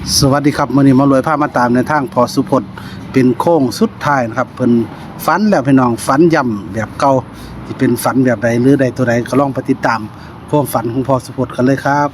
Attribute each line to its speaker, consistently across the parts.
Speaker 1: สวัสดีครับมื้อนี้มารวยพามาตามในทางพอสุพจน์เป็นโค้งสุดท้ายนะครับเพิ่นฝันแล้วพี่น้องฝันย่ำแบบเก่าสิเป็นฝันแบบใดหรือใดตัวใดก็ลองไปติดตามความฝันของพอสุพจน์กันเลยครับ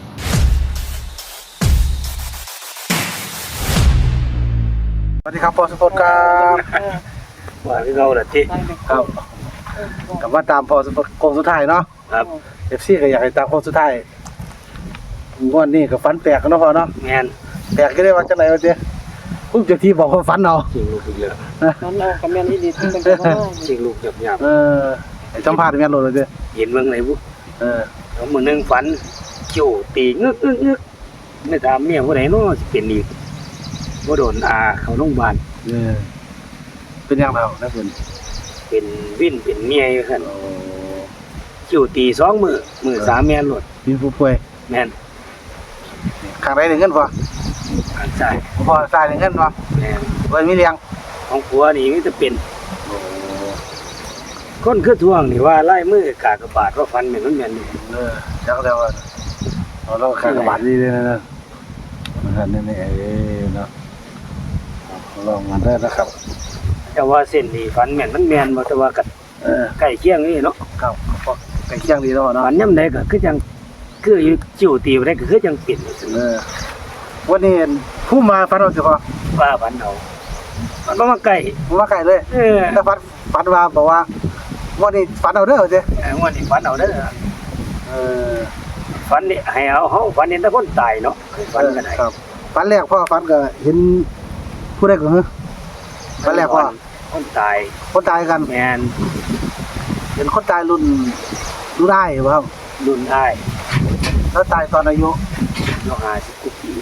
Speaker 1: สวัสดีครับพอสุพจน์ครับ
Speaker 2: ว่าที่เราน่ะที่
Speaker 1: ครับกลับมาตามพอสุพจน์โค้งสุดท้ายเนาะ
Speaker 2: ครับ
Speaker 1: FC ก็อยากให้ตามโค้งสุดท้ายงวดนี้ก็ฝันแปลกกันเนาะพ่อเนาะ
Speaker 2: แม่น
Speaker 1: แปลกก็ได้ว่าจังได๋ว่าติผู้เจ้าที่บอกว่าฝันเอา
Speaker 2: จริงลูกอีกแล้ว
Speaker 3: นั่นเอากับแม่นอีดีที่เป็นคนว่า
Speaker 2: จริงลูกหยาบ
Speaker 1: ไอ้สัมภาษณ์แม่นโลดเลยติ
Speaker 2: ๆเห็นเมืองไหนบุ
Speaker 1: เ
Speaker 2: แล้วมื้อนึงฝันคิ้วตีงึกไม่ถามเมียผู้ใดเนาะสิเป็นอีกบ่โดนอาเข้าโรงพยาบาล
Speaker 1: เออเป็นยังไงนะเพิ่น
Speaker 2: เป็นวินเป็นเมียอยู่ซั่น
Speaker 1: โอ้
Speaker 2: คิ้วตี2มื้อ3แม่นโลด
Speaker 1: มีผู้ป่วย
Speaker 2: แม่น
Speaker 1: ข้างใดได้เงินบ่
Speaker 2: อันใช่
Speaker 1: บ่ใส่ได้เงินบ่
Speaker 2: แม่น
Speaker 1: เพิ่นมีเลี้ยง
Speaker 2: ของผัวนี่มีแต่เป็น
Speaker 1: โอ้
Speaker 2: คนคือทวงนี่ว่าลายมือกากบาทว่าฟันแม่นมันแม่นอยู่
Speaker 1: จักแล้วว่าเราข้างกระบาดดีเลยนะนั่นนี่เนาะลองมาได้นะครับ
Speaker 2: แต่ว่าเส้นนี่ฟันแม่นมันแม่นบ่แต่ว่าก็ใกล้เคียงนี่เนาะ
Speaker 1: ครับไปเคียงดีแล้วเนาะ
Speaker 2: ฝันย่ำใดก็คือจังคืออยู่จิ้วตีไปได้ก็คือจังเปลี่ยน
Speaker 1: วันนี้ผู้มาฝันว่าสิพอ
Speaker 2: ว่าฝันเอามันบ่มาใกล้
Speaker 1: มาไกลเลยแต่ฝันว่าบอกว่าวันนี้ฝันเอาเด้อสิ
Speaker 2: วันนี้ฝันเอาเด้อ
Speaker 1: เออ
Speaker 2: ฝันนี่ให้เอาเฮาฝันเห็นแต่คนตายเนาะคือฝันก็ได้
Speaker 1: ครับฝันแรกพ่อฝันก็เห็นผู้ใดก็เหรอฝันแรกพ่อ
Speaker 2: คนตาย
Speaker 1: คนตายกัน
Speaker 2: แม่น
Speaker 1: เห็นคนตายรุ่นได้บ่ครับ
Speaker 2: รุ่นอ้าย
Speaker 1: แล้วตายตอนอายุ
Speaker 2: เนาะ50กว่าปี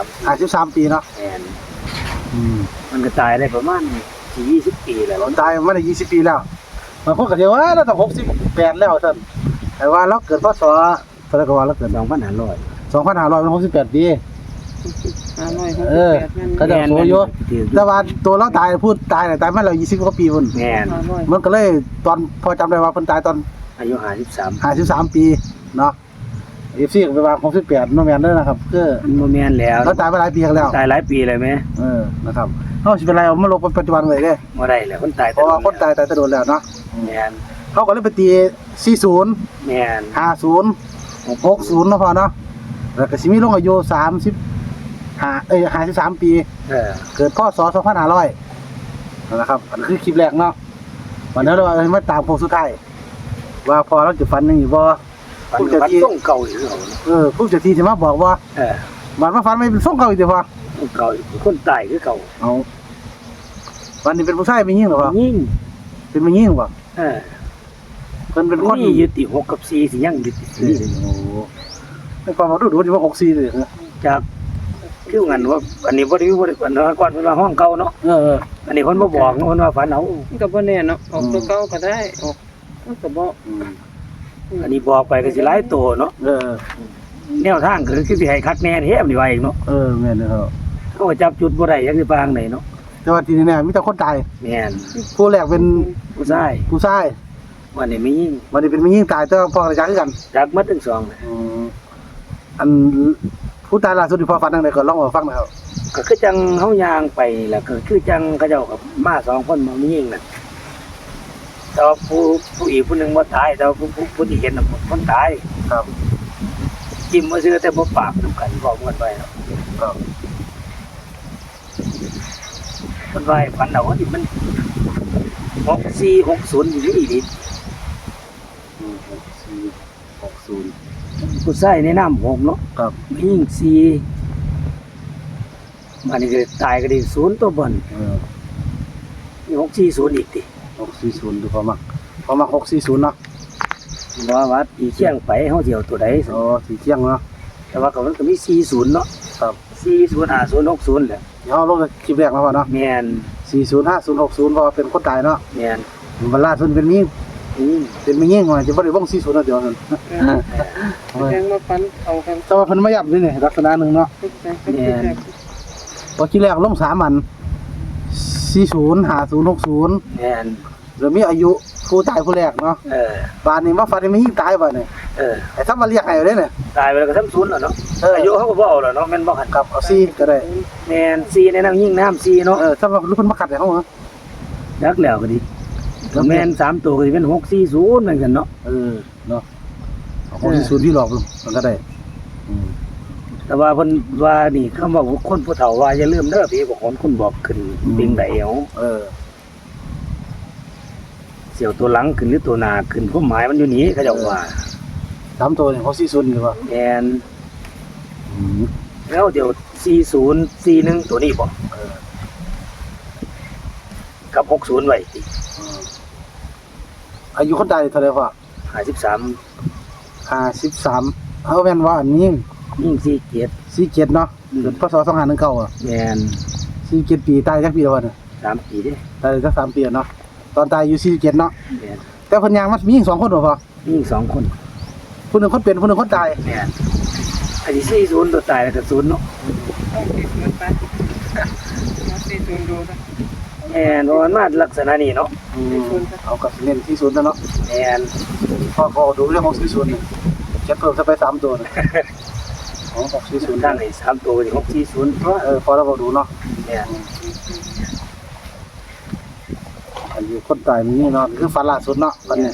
Speaker 1: 53ปีเนาะ
Speaker 2: แม่นมันก็ตายได้ประมาณ20ปีแล้ว
Speaker 1: ตายมาได้20ปีแล้วบางคนก็สิว่าเราต้อง68แล้วท่านแต่ว่าเราเกิดพศเท่าไหร่ก็ว่าเราเกิด
Speaker 2: 2500
Speaker 1: 2568ปีก็จะโสอยู่แต่ว่าตัวเราตายพูดตายตายมาแล้ว20กว่าปีพุ่น
Speaker 2: แม่น
Speaker 1: มันก็เลยตอนพอจำได้ว่าเพิ่นตายตอน
Speaker 2: อายุ53
Speaker 1: 53ปีเนาะ FC ก็ไปว่า68บ่แม่นเด้อนะครับคือ
Speaker 2: มันบ่แม่นแล้ว
Speaker 1: เราตายมาหลายปีแล้ว
Speaker 2: ตายหลายปีเลยแม่
Speaker 1: นะครับเฮาสิเป็นไรเอามาลงปัจจุบันไว้เด้
Speaker 2: บ่ได้แล้วคนตาย
Speaker 1: เพราะว่าคนตายแต่โดนแล้วเนาะ
Speaker 2: แม่น
Speaker 1: เฮาก็เลยไปตี40
Speaker 2: แม่น
Speaker 1: 50 60เนาะพ่อเนาะแล้วก็สิมีลงอายุ53ปีเกิดพศ2500นะครับอันคือคลิปแรกเนาะวันนี้เรามาตามโค้งสุดท้ายว่าพอเราจะฝันยังอยู่บ่
Speaker 2: ผู้เจ้าที่ต้องเก่าอยู่เหรอ
Speaker 1: ผู้เจ้าที่สิมาบอกว่ามันมาฝันไม่เป็นส่งเก่าอีกติพ่อ
Speaker 2: เก่าคนตายคือเก่า
Speaker 1: เอาวันนี้เป็นผู้ชายเป็นหญิงเหรอพ่อ
Speaker 2: ยิ่ง
Speaker 1: เป็นผู้หญิงบ่ เพิ่นเป็นคน
Speaker 2: นี่ยึดติ6กับ4สิยังยึดติ
Speaker 1: โอ้ไม่ความรู้ที่ว่า64เลยนะ
Speaker 2: จากคืองั้นว่าอันนี้บ่ได้บ่ได้ก่อนก่อนเพิ่นว่าห้องเก่าเนาะอันนี้เพิ่นบ่บอกเพิ่นว่าฝันเอา
Speaker 3: มันก็บ่แน่เนาะออกตัวเก่าก็ได้ออกมันก็บ่
Speaker 2: อันนี้บอกไปก็สิหลายโตเนาะแนวทางก็คือสิให้คักแน่แท้นี่ว่าเองเนาะ
Speaker 1: แม่นเด้อ
Speaker 2: เขาก็จับจุดบ่ได้จักสิปางไหนเนาะ
Speaker 1: แต่ว่าทีนี้เนี่ยมีแต่คนตาย
Speaker 2: แม่น
Speaker 1: ผู้แรกเป็น
Speaker 2: ผู้ชาย
Speaker 1: ผู้ชาย
Speaker 2: วันนี้มียิ่ง
Speaker 1: วันนี้เป็นผู้หญิงตายแต่พ่อกับจักคือกัน
Speaker 2: จักหมดทั้งสองน่ะ
Speaker 1: อันผู้ตายล่าสุดที่พ่อฟังจังได๋ก็ลองมาฟังหน่อยครับ
Speaker 2: ก็คือจังเฮาย่างไปแหละก็คือจังเขาเจ้ากับมา2คนบ่มียิ่งน่ะแต่ว่าผู้อีกผู้หนึงบ่ตายแต่ว่าผู้ที่เห็นน่ะคนตาย
Speaker 1: ครับ
Speaker 2: จิ้มมาซื้อแต่บ่ปากนำกันบอกกันไว้เนาะ
Speaker 1: ครับ
Speaker 2: มันไว้ฝันเอาว่านี่มัน6460อยู่ดี
Speaker 1: 60
Speaker 2: ผู้ชายในน้ำ6เนาะ
Speaker 1: ครับ
Speaker 2: มีหญิง4มันนี่ก็ตายก็ได้0ตัวบนนี่640อีกติ
Speaker 1: 640ดูพอมัก640เนาะ
Speaker 2: ว่าอีเชียงไปเฮาสิเอาตัวใด
Speaker 1: สีเที่ยงเนาะ
Speaker 2: แต่ว่าก็มันก็มี40เนาะ
Speaker 1: ครับ
Speaker 2: 405060แหละ
Speaker 1: เดี๋ยวลงคลิปแรกแล้วพ่อเนาะ
Speaker 2: แม่น
Speaker 1: 405060เพราะว่าเป็นคนตายเนาะ
Speaker 2: แม่น
Speaker 1: มันล่าสุดเป็นมีเป็นมียิ่งว่าจะบ่ได้วง40นะเดี๋ยวนั้น
Speaker 3: แจ้งมาฟันเอากัน
Speaker 1: แต่ว่าเพิ่นมาย้ำนี่ลักษณะหนึงเนาะ พอที่แรกลง3อัน40 50 60
Speaker 2: แม่น
Speaker 1: แล้วมีอายุผู้ตายผู้แรกเนาะบ้านนี้มาฝันไม่ยิ่งตายบ่เนี่ยไอ้ทำมาเรียกให้เอาได้เนี่ย
Speaker 2: ตายไปแล้วก็ทำศูนย์แล้วเนาะอายุเขาก็บ่เอาแล้วเนาะแม่นบ่หัน
Speaker 1: กับเอาซี่ก็ได้
Speaker 2: แม่นซีในน้ำยิ่งน้ำซีเนาะ
Speaker 1: ถ้าว่าลูกเพิ่นมาขัดให้เฮาเหรอ
Speaker 2: ยักแล้วก็ดีแม่น3ตัวก็สิเป็น640เหมือนกันเนาะ
Speaker 1: เนาะเอาของที่ศูนย์ที่หลอกมันก็ได้
Speaker 2: แต่ว่าเพิ่นว่านี่คำว่าคนผู้เฒ่าว่าอย่าลืมเด้อพี่บอกคนบอกขึ้นปิงไดเอาเสี่ยวตัวหลังขึ้นหรือตัวหน้าขึ้นความหมายมันอยู่นี่เขาเจ้าว่า
Speaker 1: 3ตัวนี่ของ40นี่ว่า
Speaker 2: แม่นแล้วเดี๋ยว4041ตัวนี้บ่กับ60ไว้ติ
Speaker 1: อายุคนตายเท่าไหร่พ่อ
Speaker 2: 53
Speaker 1: 53เอาแม่นว่าอันนี้
Speaker 2: ยิ่ง47
Speaker 1: 47เนาะเกิดพศ2519อ่ะ
Speaker 2: แม่น
Speaker 1: 47ปีตายจักปีแล้ววะเนี่ย
Speaker 2: 3ปีเด้
Speaker 1: ตายจัก3ปีเนาะตอนตายอยู่47เนาะ
Speaker 2: แม่น
Speaker 1: แต่เพิ่นยังมันมีอีก2คนบ่พ่อ
Speaker 2: ยิ่ง2คน
Speaker 1: ผู้หนึงคนเป็นผู้หนึงคนตาย
Speaker 2: แม่นอันนี้40ตัวตายแล้วก็0เนาะ
Speaker 3: เอาติดมันไปมาสิดูดูนะ
Speaker 2: แม่นเพราะมันมาลักษณะนี้เนาะ
Speaker 1: เอากับเน้นที่ศูนย์แล้วเนาะ
Speaker 2: แม่น
Speaker 1: พ่อก็ดูเรื่องของที่ศูนย์นี่เก็บเพิ่มซะไป3ตัวนะของที่ศูนย์
Speaker 2: ตั้งให้3ตัวที่640เพราะ
Speaker 1: พอเราบอกดูเนาะ
Speaker 2: แม่น
Speaker 1: อันนี้คนตายมีนี่เนาะคือฝันล่าสุดเนาะฝันเนี่ย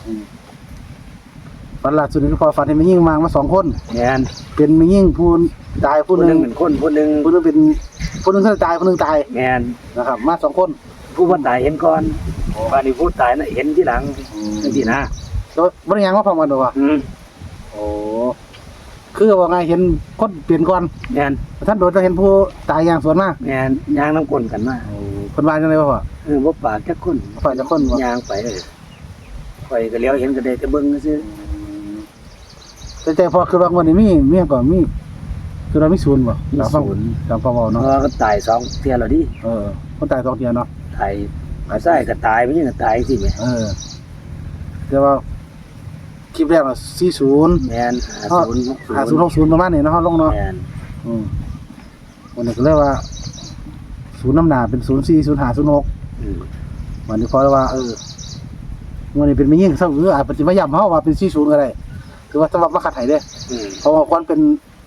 Speaker 1: ฝันล่าสุดนี่คือพอฝันเห็นมียิ่งมา2คน
Speaker 2: แม่น
Speaker 1: เป็นมียิ่งผู้ตายผู้
Speaker 2: ผู้
Speaker 1: ห
Speaker 2: ห
Speaker 1: นึ
Speaker 2: นึ
Speaker 1: ง
Speaker 2: งเป็นคนผู้หนึง
Speaker 1: ผู้หนึงเป็นผู้หนึงตายผู้หนึงตาย
Speaker 2: แม่น
Speaker 1: นะครับมา2คน
Speaker 2: ผู้บ่ตายเห็นก่อนว่านี่ผู้ตายน่ะเห็นทีหลังจังซี่นะ
Speaker 1: แล้วบ่ได้ยังมาพร้อมกันบ่วะโอ้คือว่าไงเห็นคนเปลี่ยนก่อน
Speaker 2: แม่น
Speaker 1: ท่านโดนจะเห็นผู้ตายอย่างสวนมา
Speaker 2: แม่นย่างน้ำก้นกันมา
Speaker 1: เพิ่นว่าจังได๋บ่พ่อ
Speaker 2: บ่ปากจักคน
Speaker 1: ฝ่ายจะคนบ่
Speaker 2: ย่างไปเลยไปก็เลี้ยวเห็นก็ได้แต่เบิ่งซื่อ
Speaker 1: แต่พอคือว่าวันนี้มีก่อนมีคือเรามีศูนย์บ่ตามฟังตามฟังเว้า
Speaker 2: เพ
Speaker 1: เนาะ
Speaker 2: ราะว่าก็ตาย2เที่ยแล้วดิ
Speaker 1: คนตาย2เที่ยเนาะ
Speaker 2: ตายก็ใส่ก็ตายไม่ใช่ก็ตายสิแม่
Speaker 1: แต่ว่าคลิปแรกน่ะ40
Speaker 2: แม่น50
Speaker 1: 5060ประมาณนี้เนาะเฮาลงเนาะ
Speaker 2: แม่น
Speaker 1: วันนี้ก็เลยว่าศูนย์น้ำหนาเป็น040506วันนี้พอแล้วว่าวันนี้เป็นไม่ยิ่งซะอาจจะมาย้ำเฮาว่าเป็น40ก็ได้คือว่าสำหรับมาขัดให้เด้เพราะว่าควรเป็น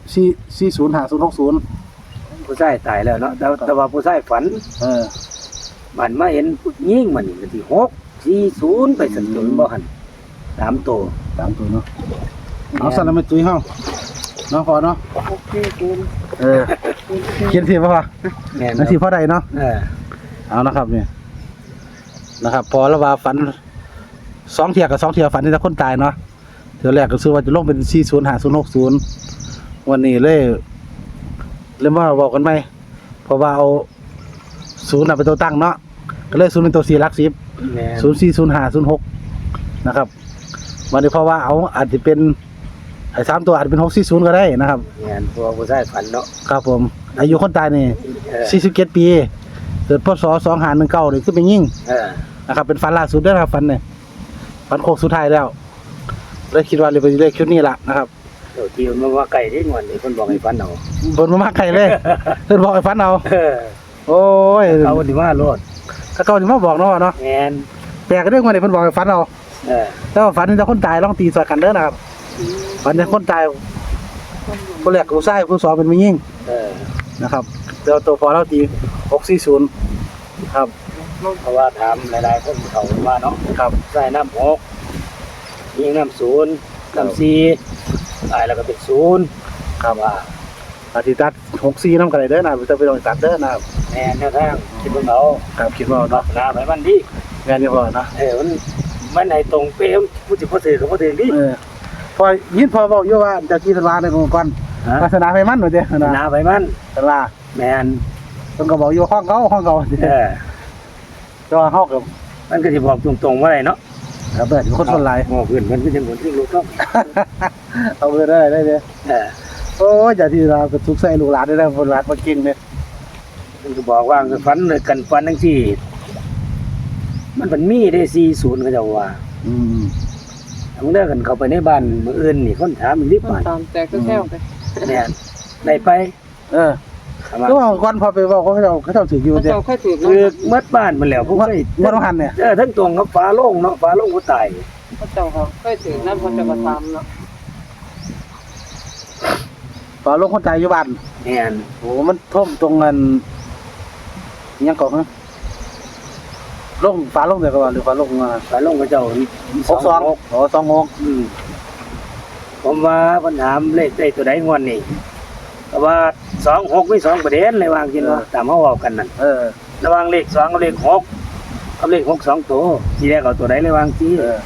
Speaker 1: 405060
Speaker 2: ผู้ชายตายแล้วเนาะแต่ว่าผู้ชายฝันมันมาเห็นผู้หญิงมันนี่ก็ที่640ไปสันจนบ่หัน3ตัว
Speaker 1: 3ตัวเนาะเอาสั่นแล้วไม่ตุ้ยเฮาเนาะพอเนาะ
Speaker 3: โอเคคุณ
Speaker 1: เขียนสิบ่ว่า
Speaker 2: แม่น
Speaker 1: นั่นสิพอใดเนาะ
Speaker 2: เออ
Speaker 1: เอานะครับเนี่ยนะครับพอแล้วว่าฝัน2เที่ยกับ2เที่ยฝันที่จะคนตายเนาะเที่ยแรกก็คือว่าจะลงเป็น405060วันนี้เลยมาบอกกันไหมเพราะว่าเอา0น่ะเป็นตัวตั้งเนาะก็เลย0เป็นตัว4หลัก10
Speaker 2: แม่น
Speaker 1: 040506นะครับวันนี้เพราะว่าเอาอาจจะเป็นไอ้3ตัวอาจจะเป็น640ก็ได้นะครับ
Speaker 2: แม่นเพราะว่าผู้ชายฝันเนาะ
Speaker 1: ครับผมอายุคนตายนี่47ปีเกิดพศ2519นี่คือเป็นยิ่ง นะครับเป็นฝันล่าสุดด้วยนะครับฝันเนี่ยฝันโคกสุดท้ายแล้วเลยคิดว่าเลยไปเลขชุดนี้ละนะครับ
Speaker 2: เดี๋ยวที่มันว่าไก่ที่งวนนี่เพิ่นบอกให้ฝันเอา
Speaker 1: บนมาไกลเลยเพิ่นบอกให้ฝันเอาโอ้ย
Speaker 2: เอาที่ว่าโลด
Speaker 1: ถ้าเขาสิมาบอกเนาะเนาะ
Speaker 2: แม่น
Speaker 1: แปลกเรื่องว่านี่เพิ่นบอกให้ฝันเอาแต่ว่าฝันแต่คนตายลองตีสอดกันเด้อนะครับฝันแต่คนตายคนแรกผู้ชายผู้สองเป็นผู้หญิงนะครับเดี๋ยวตัวพอเราตี640ครับ
Speaker 2: เพราะว่าถามหลายๆคนเขาว่าเนาะ
Speaker 1: ครับ
Speaker 2: ใส่น้ำ6ยิงน้ำ0น้ำ4ตายแล้วก็เป็น0ครับว่า
Speaker 1: อาทิตย์ตัด64นำกันได้เด้อนะจะไปลองตัดเด้อนะครับ
Speaker 2: แม่นแนวทางคิดเบิ่งเอา
Speaker 1: ครับคิดว่าเนาะ
Speaker 2: หน้าไปมันดี
Speaker 1: งานนี้พอเนาะ
Speaker 2: มันให้ตรงเป๊ะผู้สิบ่ถือก็บ่ถือดิ
Speaker 1: พอยินพอบอกอยู่ว่าเจ้าที่ตลาดในองค์กรศาสนาไฟมันว่าเด้อ
Speaker 2: หน้าไปมัน
Speaker 1: ตลาด
Speaker 2: แม่น
Speaker 1: เพิ่นก็บอกอยู่ห้องเขาก็เฮากับ
Speaker 2: มันก็สิบอกตรงๆว่าได้เนาะ
Speaker 1: เบิดคนคนหลาย
Speaker 2: โอ้เพิ่นมันก็จังคนที่รู้ต้อง
Speaker 1: เอาเบิดได้เด้อโอ้ยเจ้าที่เราก็ทุกข์ใส่ลูกหลานได้แล้วคนหลานบ่เก่งเด้
Speaker 2: มันก็บอกว่าฝันเลยกันฝันจังซี่มันเป็นมีได้40เขาเจ้าว่ามันเลิกกันเข้าไปในบ้านมื้ออื่นนี่คนถามอีกนิด
Speaker 3: ต้
Speaker 2: บาท
Speaker 3: ตามแตกก็แค่ไป
Speaker 2: แม่นได้ไป
Speaker 1: ก็ว่าก่อนพอไปเว้าเขาเจ้าถืออยู่
Speaker 3: เขา
Speaker 1: เด้
Speaker 3: เจ้าค่อยถือ
Speaker 2: คือเมื่อบ้านมันแล้วพวก
Speaker 1: ว่า
Speaker 2: ไอ้
Speaker 1: ว่าต้องหันเนี่ย
Speaker 2: ทั้งตรงกับฟ้าโล่งเนาะฟ้าโล่งผู้ตาย
Speaker 3: เขาเจ้าเขาค่อยถือนั่นเขาจะกระทำเนาะ
Speaker 1: ฝาลงคนตายอยู่บ้าน
Speaker 2: แม่น
Speaker 1: โอ้มันท่วมตรงนั้นอิหยังก่อนฮะลงฝาลงเดี๋ยวก็ว่าหรือฝาลง
Speaker 2: ฟ้าโล่งเขาเจ้า
Speaker 1: 62อ๋อ26
Speaker 2: ผมว่าปัญหาเลขได้ตัวใดงวดนี่แต่ว่า26มี2ประเด็นเลยว่ากินว่าตามเฮาเว้ากันนั่น ระหว่างเลข2กับเลข6กับเลข6 2ตัวสิแรกเอาตัวใดเลยว่าสิ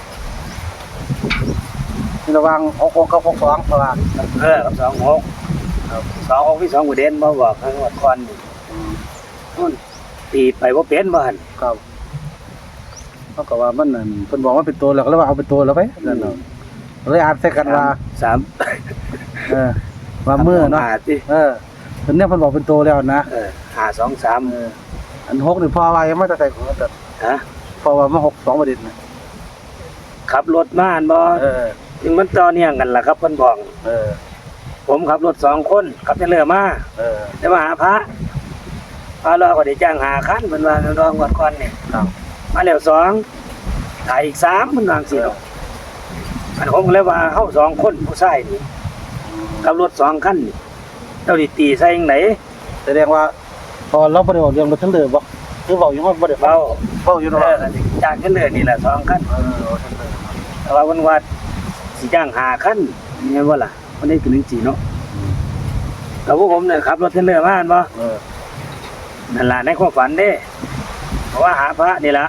Speaker 1: ที่ระวัง66กับ62เพราะว่า
Speaker 2: กับ26ครับ26มี2ประเด็นบ่บอกให้งวดก่อนนี่นู่นตีไปบ่เป็นบ่หั่น
Speaker 1: ครับเขาก็ว่ามันนั่นเพิ่นบอกว่าเป็นตัวแล้วก็เลยว่าเอาเป็นตัวแล้วไปนั่นเนาะเลยอ่านใส่กันว่า
Speaker 2: 3
Speaker 1: ว่ามือเนาะ
Speaker 2: ติ
Speaker 1: เพิ่นเนี่ยเพิ่นบอกเป็นตัวแล้วนะ
Speaker 2: 523
Speaker 1: อัน6นี่พอว่ายังไม่ได้ใส่ของแต่
Speaker 2: ฮะ
Speaker 1: พอว่ามา62ประเด็นนะ
Speaker 2: ขับรถมาหั่นบ่ถึงมันต่อเนื่องกันล่ะครับเพิ่นบอก ผมขับรถ2คนขับเทเลอร์มาจะมาหาพระรอก็ได้จ้าง5คันเพิ่นว่ารองวดก่อนนี่
Speaker 1: ครับ
Speaker 2: มาแล้ว2ถ่ายอีก3เพิ่นว่าจังซี่เนาะอันผมก็เลยว่าเฮา2คนผู้ชายนี่ขับรถ2คันนี่เจ้าสิตีใส่จังได๋
Speaker 1: แสดงว่าพอเราบ่ได้บอกเรื่องรถทั้งเรือบ่คือบอกอยู่ว่าบ่ได้เฝ้า
Speaker 2: เว้า
Speaker 1: อยู่เนาะ
Speaker 2: จ้างเทเลอร์นี่แหละ2คันแต่ว่าเพิ่นว่าสิจ้าง5คันแม่นบ่ล่ะมันได้เป็นจังซี่เนาะแต่พวกผมเนี่ยขับรถเทเลอร์มาหั่นบ่ นั่นล่ะในความฝันเด้เพราะว่าหาพระนี่ล่ะ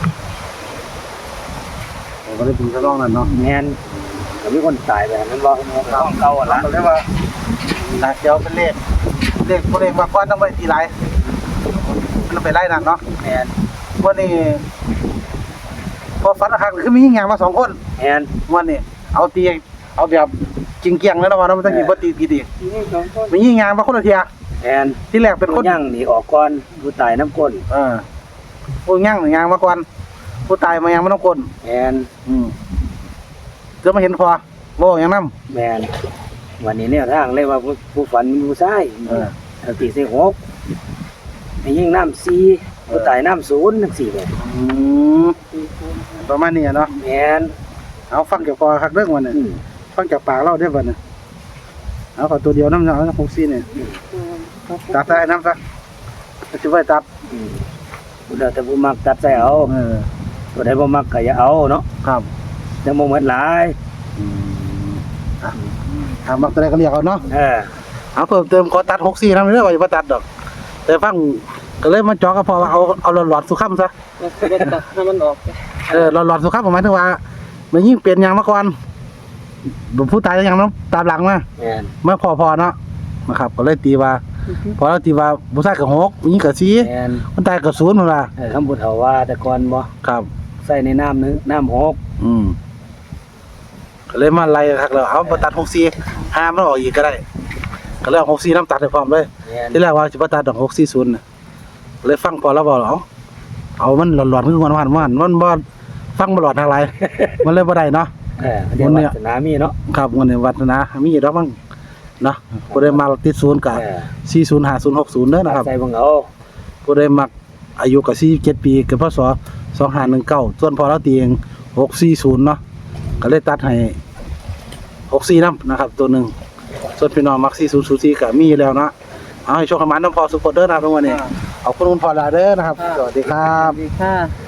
Speaker 1: ผมก็ได้เป็นกระรองนั่นเนาะ
Speaker 2: แม่นก็มีคนตายไปหั่นมันบ่ของเก่าอ่ะล่ะ
Speaker 1: ก็เลยว่าหลักเดียวเป็นเลขผู้เลขมาก่อนต้องไปทีไรมันไปไล่นั่นเนาะ
Speaker 2: แม่น
Speaker 1: วันนี้พอฝันหักคือมียิงยางมา2คน
Speaker 2: แม่น
Speaker 1: วันนี้เอาตีเอาแบบจริงเกียงแล้วนะว่ามันต้องกินบ่ตีกี่ตี
Speaker 3: นี่สองคน
Speaker 1: มียิงยางมาคนละเทีย
Speaker 2: แม่น
Speaker 1: ที่แรกเป็นคน
Speaker 2: ย่างหนีออกก่อนผู้ตายน้ำก้น
Speaker 1: ผู้ย่างยางมาก่อนผู้ตายมายางมาต้องคน
Speaker 2: แม่น
Speaker 1: จะมาเห็นพอบ่อย่างนั้น
Speaker 2: แม่นวันนี้เนี่ยทางเลยว่าผู้ฝันมีผู้ชายเอาตีใส่6ให้ยิงน้ำ4ผู้ตายน้ำ0จังซี่แหละ
Speaker 1: ประมาณนี้เนาะ
Speaker 2: แม่น
Speaker 1: เอาฟังจากพอคักเรื่องวันนี้
Speaker 2: อืม
Speaker 1: ฟังจากปากเราได้บ่เนี่ยเอาขอตัวเดียวน้ำเนาะ64เนี่ยตัดใส่น้ำซะจะไว้ตัด
Speaker 2: อืมผู้ใดแต่ผู้มักตัดใส่เอาผู้ใดบ่มักก็อย่าเอาเนาะ
Speaker 1: ครับ
Speaker 2: จังบ่หมดหลาย
Speaker 1: ถามมักตัวใดก็เรียกเอาเนาะ เอาเพิ่มเติมขอตัด64นำเด้อว่าอย่าบ่ตัดดอก แต่ฟังก็เลยมาเจาะก็พอว่าเอาหลอดสุขำซะ
Speaker 3: แล้วก็ตัดให้มันออก
Speaker 1: หลอดสุขำหมายถึงว่ามันยิ่งเปลี่ยนยางมาก่อนผู้ตายยังน้ำตามหลังมา
Speaker 2: แม่น
Speaker 1: ไม่พอเนาะนะครับก็เลยตีว่าพอเราตีว่าผู้ชายกับ6ผู้หญิงกับ
Speaker 2: แม่น
Speaker 1: 4คนตายกับ0พุ่นว่า
Speaker 2: คำพูดเขาว่าแต่ก่อนบ่
Speaker 1: ครับ
Speaker 2: ใส่ในน้ำนึงน้ำ6
Speaker 1: ก็เลยมาไล่คักแล้วเอาบ่ตัด64ห้ามมันออกอีกก็ได้ก็เลยเอา64น้ำตัดให้พร้อมเลย
Speaker 2: แม่น
Speaker 1: ที่แรกว่าสิบ่ตัดดอก640น่ะเลยฟังพอแล้วบอกเอามันหลอนๆคือมันบ่ฟังบ่หลอดทางไร มันเลยบ่ได้เนาะ
Speaker 2: เดี๋ยว
Speaker 1: วันเนี้
Speaker 2: วั
Speaker 1: ย
Speaker 2: ฒนามีเนาะ
Speaker 1: ครับวันนี้วัฒนามีดอกมั้งเนาะผู้ใดมาติด0ก็405060เด้อนะครับ
Speaker 2: ใส่เบิ่งเอา
Speaker 1: ผู้ใดมักอายุก็47ปีเกิดพศ2519ส่วนพอเราตีเอง640เนาะก็เลยตัดให้64นำนะครับตัวหนึงส่วนพี่น้องมัก4004ก็มีอยู่แล้วเนาะเอาให้โชคให้มันนำพอสุขเด้อนะครับทุกวันนี้ขอบคุณคุณพ่อลาเด้อนะครับสวัสดีครับ
Speaker 3: ดีค่ะ